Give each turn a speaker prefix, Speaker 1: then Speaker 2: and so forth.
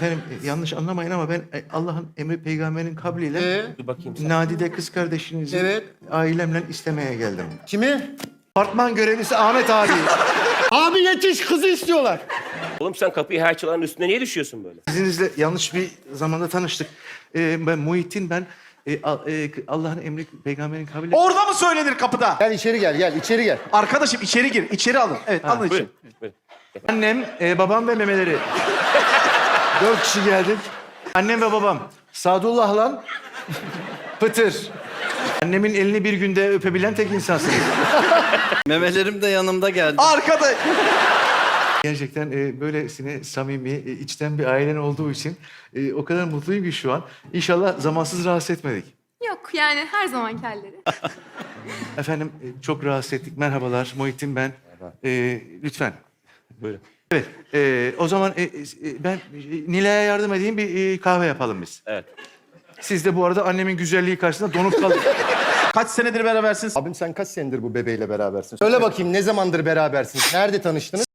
Speaker 1: Efendim yanlış anlamayın ama ben Allah'ın emri peygamberin kabliyle
Speaker 2: Dur bakayım sen.
Speaker 1: Nadide kız kardeşinizi
Speaker 3: Evet.
Speaker 1: ailemle istemeye geldim.
Speaker 3: Kimi?
Speaker 1: Apartman görevlisi Ahmet abi.
Speaker 3: Abi yetiş, kızı istiyorlar.
Speaker 2: Oğlum sen kapıyı her çalanın üstüne niye düşüyorsun böyle?
Speaker 1: İzninizle yanlış bir zamanda tanıştık. Ben Muhittin, ben Allah'ın emri peygamberin kabliyle...
Speaker 4: Orada mı söylenir kapıda?
Speaker 3: Gel içeri gel, içeri gel.
Speaker 4: Arkadaşım içeri gir. İçeri alın. Evet alın içeri.
Speaker 2: Buyurun. Buyurun.
Speaker 1: Annem, babam ve memeleri. 4 kişi geldik. Annem ve babam. Sadullah'la Pıtır. Annemin elini bir günde öpebilen tek insansınız.
Speaker 5: Memelerim de yanımda geldi.
Speaker 4: Arkada.
Speaker 1: Gerçekten böylesine samimi, içten bir ailen olduğu için o kadar mutluyum ki şu an. İnşallah zamansız rahatsız etmedik.
Speaker 6: Yok yani her zamanki halleri.
Speaker 1: Efendim çok rahatsız ettik. Merhabalar, Muhittin ben. Lütfen.
Speaker 2: Buyurun.
Speaker 1: Evet, o zaman ben Nilay'a yardım edeyim, bir kahve yapalım biz.
Speaker 2: Evet.
Speaker 1: Siz de bu arada annemin güzelliği karşısında donup kalın.
Speaker 4: Kaç senedir berabersiniz?
Speaker 3: Abim sen kaç senedir bu bebeğiyle berabersin? Söyle bakayım, ne zamandır berabersiniz? Nerede tanıştınız?